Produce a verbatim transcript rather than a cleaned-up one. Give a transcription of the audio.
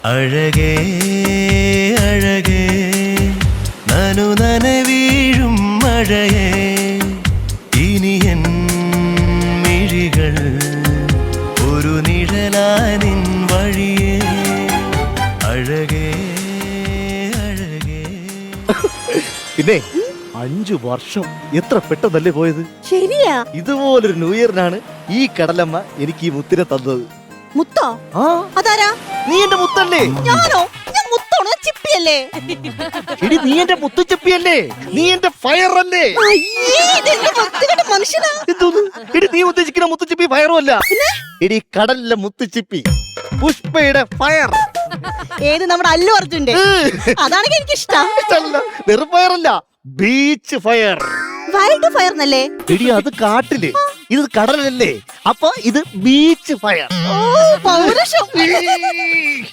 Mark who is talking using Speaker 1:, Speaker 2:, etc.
Speaker 1: അഴകേ അഴകേ നനു നനവീഴും മഴയേ ഇനി എൻ മിഴികൾ ഒരു നിഴലാനിൻ വഴിയേ അഴകേ അഴകേ.
Speaker 2: പിന്നെ അഞ്ചു വർഷം എത്ര പെട്ടെന്നല്ലേ പോയത്.
Speaker 3: ശരിയാ.
Speaker 2: ഇതുപോലൊരു ന്യൂ ഇയറിനാണ് ഈ കടലമ്മ എനിക്ക് ഈ മുത്തിനെ തന്നത്.
Speaker 3: മുത്തോ?
Speaker 2: ആ
Speaker 3: അതാരാ?
Speaker 2: നീ എന്റെ മുത്തല്ലേ?
Speaker 3: ഞാനോ? ഞാൻ മുത്തോണോ ചിപ്പിയല്ലേ?
Speaker 2: എടി നീ എന്റെ മുത്തുച്ചിപ്പിയല്ലേ? നീ എന്റെ ഫയർ അല്ലേ?
Speaker 3: അയ്യേ, ഇതെന്ത് വൃത്തികെട്ട മനുഷ്യനാ.
Speaker 2: എന്തോന്ന്? എടി നീ ഉദ്ദേശിക്കുന്ന മുത്തുച്ചിപ്പി ഫയറും അല്ല. എടി കടലിലെ മുത്തുച്ചിപ്പി പുഷ്പയുടെ ഫയർ.
Speaker 3: ഏത് നമ്മുടെ അല്ലു അർജുന്റെ? അതാണെങ്കിൽ എനിക്ക് ഇഷ്ടം.
Speaker 2: വെറും ഫയർ അല്ല, ബീച്ച് ഫയർ.
Speaker 3: വൈൽഡ് ഫയർ എന്നല്ലേ?
Speaker 2: എടി അത് കാട്ടില്, ഇത് കടലല്ലേ, അപ്പൊ ഇത് ബീച്ച് ഫയർ.
Speaker 3: ഓ പൗരുഷം.